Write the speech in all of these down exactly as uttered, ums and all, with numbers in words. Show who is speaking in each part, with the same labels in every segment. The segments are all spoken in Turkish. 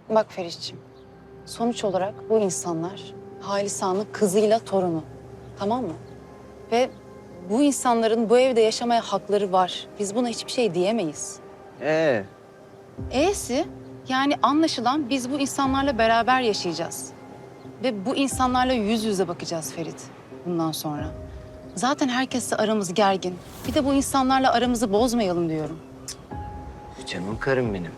Speaker 1: Bak Feriş'ciğim, sonuç olarak bu insanlar Halis Ağa'nın kızıyla torunu. Tamam mı? Ve bu insanların bu evde yaşamaya hakları var. Biz buna hiçbir şey diyemeyiz.
Speaker 2: Ee,
Speaker 1: E'si yani anlaşılan biz bu insanlarla beraber yaşayacağız. Ve bu insanlarla yüz yüze bakacağız Ferit bundan sonra. Zaten herkesle aramız gergin. Bir de bu insanlarla aramızı bozmayalım diyorum.
Speaker 2: canım karım benim.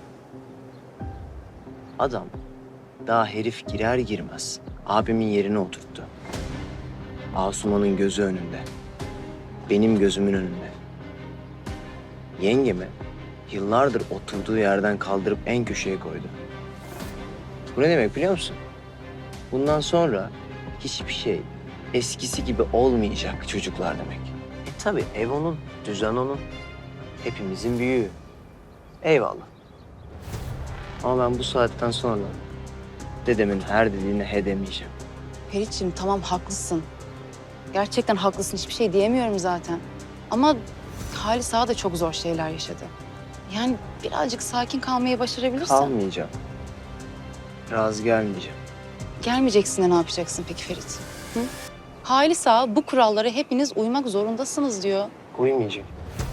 Speaker 2: Adam daha herif girer girmez abimin yerine oturttu. Asuman'ın gözü önünde. Benim gözümün önünde. Yengemi yıllardır oturduğu yerden kaldırıp en köşeye koydu. Bu ne demek biliyor musun? Bundan sonra hiçbir şey eskisi gibi olmayacak çocuklar demek. E tabii ev onun, düzen onun. Hepimizin büyüğü. Eyvallah. Ama ben bu saatten sonra dedemin her dediğine he demeyeceğim.
Speaker 1: Ferit'ciğim tamam haklısın. Gerçekten haklısın. Hiçbir şey diyemiyorum zaten. Ama Halis Ağa da çok zor şeyler yaşadı. Yani birazcık sakin kalmayı başarabilirsen.
Speaker 2: Kalmayacağım. Razı gelmeyeceğim.
Speaker 1: Gelmeyeceksin de ne yapacaksın peki Ferit? Hı? Halis Ağa bu kurallara hepiniz uymak zorundasınız diyor.
Speaker 2: Uymayacağım.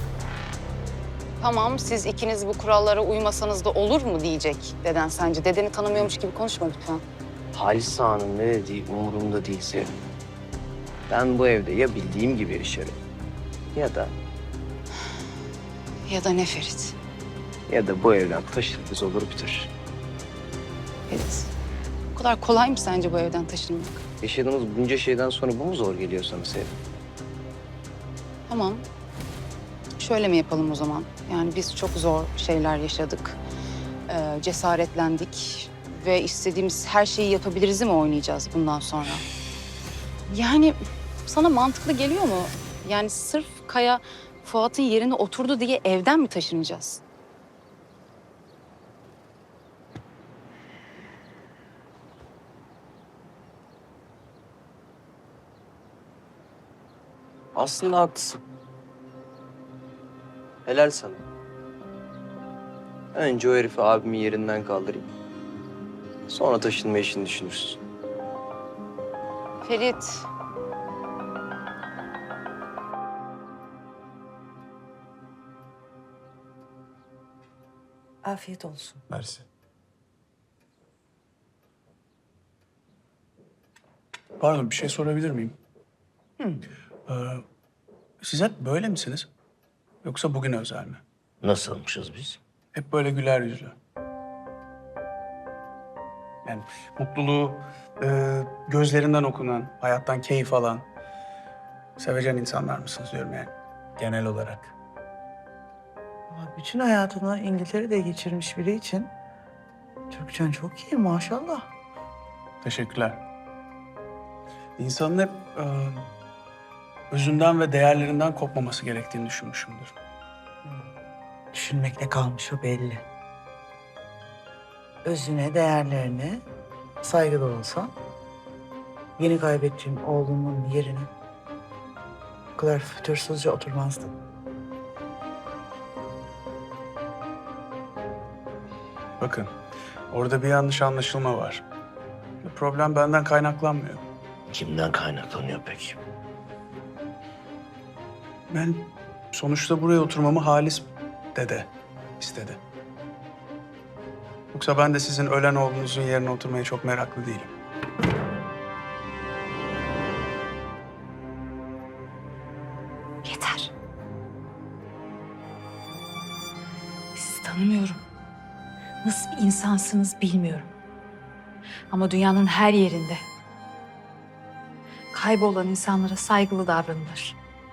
Speaker 1: Tamam siz ikiniz bu kurallara uymasanız da olur mu diyecek deden sence? Dedeni tanımıyormuş gibi konuşma lütfen.
Speaker 2: Halis Ağa'nın ne dediği umurumda değil Sevim. Ben bu evde ya bildiğim gibi yaşarım ya da
Speaker 1: Ya da ne Ferit?
Speaker 2: ya da bu evden taşırız olur biter.
Speaker 1: Ferit. Bu kadar kolay mı sence bu evden taşınmak?
Speaker 2: Yaşadığımız bunca şeyden sonra bu mu zor geliyor sana Sevim?
Speaker 1: Tamam. Şöyle mi yapalım o zaman? Yani biz çok zor şeyler yaşadık. Ee, cesaretlendik. Ve istediğimiz her şeyi yapabiliriz mi oynayacağız bundan sonra? Yani sana mantıklı geliyor mu? Yani sırf Kaya Fuat'ın yerine oturdu diye evden mi taşınacağız?
Speaker 2: Aslında haklısın. Helal sana. Önce o herifi abimin yerinden kaldırayım. Sonra taşınma işini düşünürsün.
Speaker 1: Ferit.
Speaker 3: Afiyet olsun.
Speaker 4: Mersi. Pardon, bir şey sorabilir miyim? Ee, siz hep böyle misiniz? Yoksa bugün özel mi?
Speaker 5: Nasılmışız biz?
Speaker 4: Hep böyle güler yüzlü. Yani mutluluğu e, gözlerinden okunan, hayattan keyif alan, sevecen insanlar mısınız diyorum yani genel olarak.
Speaker 3: Ama bütün hayatını İngiltere'de geçirmiş biri için Türkçen çok iyi maşallah.
Speaker 4: Teşekkürler. İnsanın hep e, özünden ve değerlerinden kopmaması gerektiğini düşünmüşümdür.
Speaker 3: Düşünmekle kalmış o belli. Özüne, değerlerine saygılı olsan yeni kaybettiğim oğlumun yerine bu kadar fütursuzca oturmazdın.
Speaker 4: Bakın, orada bir yanlış anlaşılma var. Problem benden kaynaklanmıyor.
Speaker 5: Kimden kaynaklanıyor peki?
Speaker 4: Ben sonuçta buraya oturmamı Halis dede istedi. Yoksa ben de sizin ölen oğlunuzun yerine oturmaya çok meraklı değilim.
Speaker 1: Yeter. Sizi tanımıyorum. Nasıl bir insansınız bilmiyorum. Ama dünyanın her yerinde kaybolan insanlara saygılı davranılır.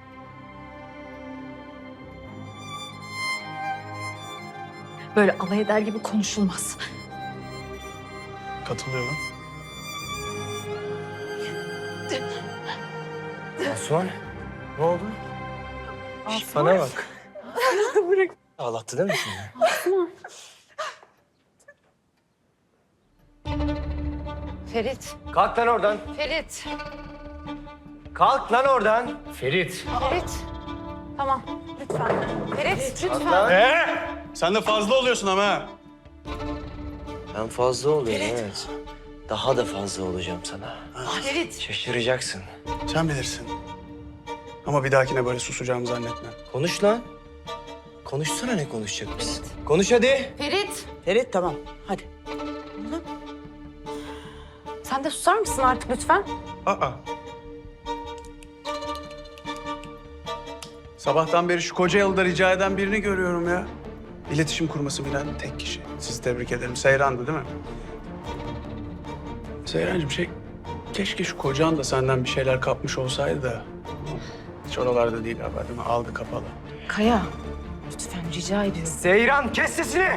Speaker 1: Böyle alay eder gibi konuşulmaz.
Speaker 4: Katılıyorum.
Speaker 2: Asuman, ne oldu? Şş, bana bak. Ağlattı değil mi seni?
Speaker 1: Ferit,
Speaker 2: Kalk lan oradan.
Speaker 1: Ferit,
Speaker 2: Kalk lan oradan.
Speaker 5: Ferit.
Speaker 1: Ferit. Tamam, lütfen. Ferit, lütfen.
Speaker 2: Lan.
Speaker 4: Ee, sen de fazla oluyorsun ama ha.
Speaker 2: Ben fazla oluyorum evet. Daha da fazla olacağım sana.
Speaker 3: Ferit.
Speaker 2: Şaşıracaksın.
Speaker 4: Sen bilirsin. Ama bir dahakine böyle susacağımı zannetme.
Speaker 2: Konuş lan. Konuşsana ne konuşacakmışsın. Konuş hadi.
Speaker 1: Ferit,
Speaker 3: Ferit tamam. Hadi.
Speaker 1: sen de susar mısın artık lütfen?
Speaker 4: Aa. Sabahtan beri şu koca yılda rica eden birini görüyorum ya. İletişim kurması bilen tek kişi. Sizi tebrik ederim. Seyran'dı değil mi? Seyrancığım şey, keşke şu kocan da senden bir şeyler kapmış olsaydı da. Hiç oralarda değil galiba değil mi? Aldı kapalı.
Speaker 1: Kaya, lütfen rica ediyorum.
Speaker 2: Seyran kes sesini.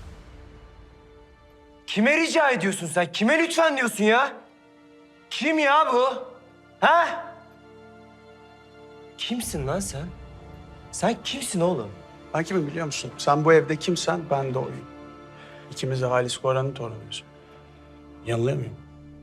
Speaker 2: Kime rica ediyorsun sen? Kime lütfen diyorsun ya? Kim ya bu? Ha? Kimsin lan sen? Sen kimsin oğlum?
Speaker 4: Ben kimim biliyor musun? Sen bu evde kimsen ben de oyum. İkimiz de Halis Koran'ın torunuyuz. Yanılıyor muyum?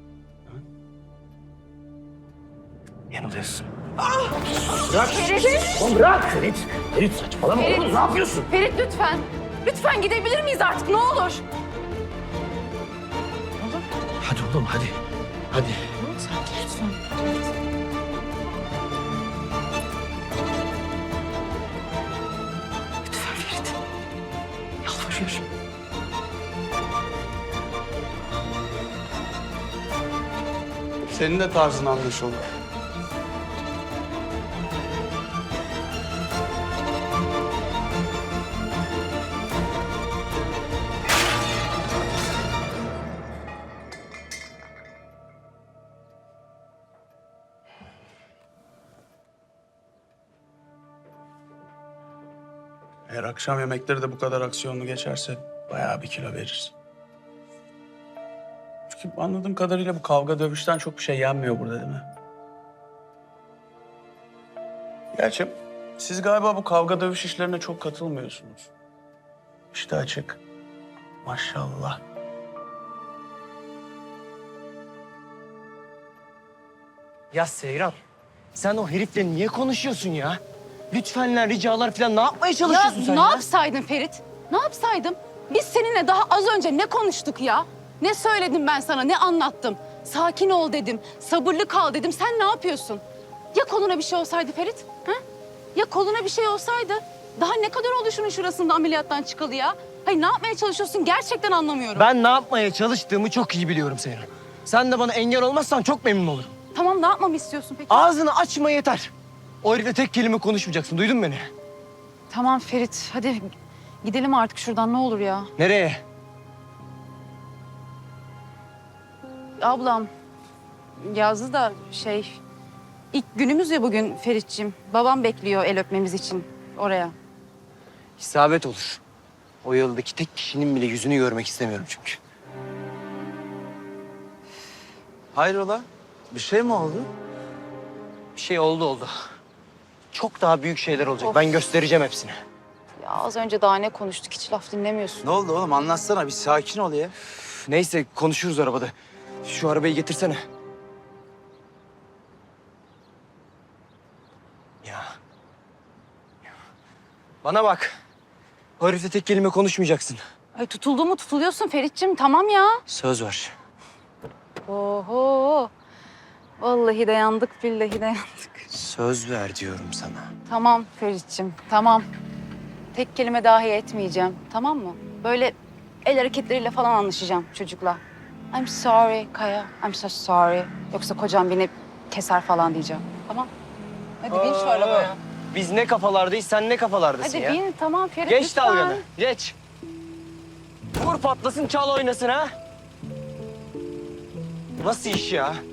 Speaker 2: Yanılıyorsun.
Speaker 5: Oğlum bırak Ferit. Ferit saçmalama oğlum ne yapıyorsun?
Speaker 1: Ferit lütfen. Lütfen gidebilir miyiz artık ne olur?
Speaker 5: Hadi oğlum hadi. Hadi.
Speaker 1: Sakin lütfen. Lütfen Ferit. Yalvarıyorum.
Speaker 4: Senin de tarzın anlaşıldı. Eğer akşam yemekleri de bu kadar aksiyonlu geçerse bayağı bir kilo verirsin. Çünkü anladığım kadarıyla bu kavga dövüşten çok bir şey yenmiyor burada değil mi? Gerçi siz galiba bu kavga dövüş işlerine çok katılmıyorsunuz. İşte açık. Maşallah.
Speaker 2: Ya Seyran, sen o herifle niye konuşuyorsun ya? Lütfenler, ricalar falan ne yapmaya
Speaker 1: Ya
Speaker 2: çalışıyorsun sen
Speaker 1: ne
Speaker 2: ya?
Speaker 1: yapsaydın Ferit? Ne yapsaydım? Biz seninle daha az önce ne konuştuk ya? Ne söyledim ben sana, ne anlattım? Sakin ol dedim, sabırlı kal dedim. Sen ne yapıyorsun? Ya koluna bir şey olsaydı Ferit? Ha? Ya koluna bir şey olsaydı? Daha ne kadar oldu şunun şurasında ameliyattan çıkalı ya? Hayır ne yapmaya çalışıyorsun gerçekten anlamıyorum.
Speaker 2: Ben ne yapmaya çalıştığımı çok iyi biliyorum Seyran. Sen de bana engel olmazsan çok memnun olurum.
Speaker 1: Tamam ne yapmamı istiyorsun peki?
Speaker 2: Ağzını açma yeter. O herifle tek kelime konuşmayacaksın, duydun mu beni?
Speaker 1: Tamam Ferit hadi gidelim artık şuradan ne olur ya.
Speaker 2: Nereye?
Speaker 1: Ablam yazdı da şey ilk günümüz ya bugün Ferit'ciğim. Babam bekliyor el öpmemiz için oraya.
Speaker 2: İsabet olur. O yıldaki tek kişinin bile yüzünü görmek istemiyorum çünkü.
Speaker 3: Hayrola? Bir şey mi oldu?
Speaker 2: Bir şey oldu oldu. Çok daha büyük şeyler olacak.
Speaker 1: Of.
Speaker 2: Ben göstereceğim hepsini.
Speaker 1: Ya az önce daha ne konuştuk hiç laf dinlemiyorsun.
Speaker 3: Ne oldu oğlum? Anlatsana. Bir sakin ol ya.
Speaker 2: Üf, neyse konuşuruz arabada. Şu arabayı getirsene. Ya. Bana bak. O herifle tek kelime konuşmayacaksın.
Speaker 1: Ay tutuldu mu tutuluyorsun Ferit'ciğim tamam ya.
Speaker 2: Söz ver.
Speaker 1: Oho. Vallahi de yandık billahi de yandık.
Speaker 2: Söz ver diyorum sana.
Speaker 1: Tamam Ferit'ciğim tamam. Tek kelime dahi etmeyeceğim tamam mı? Böyle el hareketleriyle falan anlaşacağım çocukla. I'm sorry Kaya, I'm so sorry. Yoksa kocam beni keser falan diyeceğim. Tamam. Hadi bin şu arabaya.
Speaker 2: Biz ne kafalardayız, sen ne kafalardasın
Speaker 1: Hadi
Speaker 2: ya?
Speaker 1: bin tamam Ferit
Speaker 2: Geç
Speaker 1: lütfen.
Speaker 2: dalganı, geç. Vur patlasın, çal oynasın ha. Nasıl iş ya?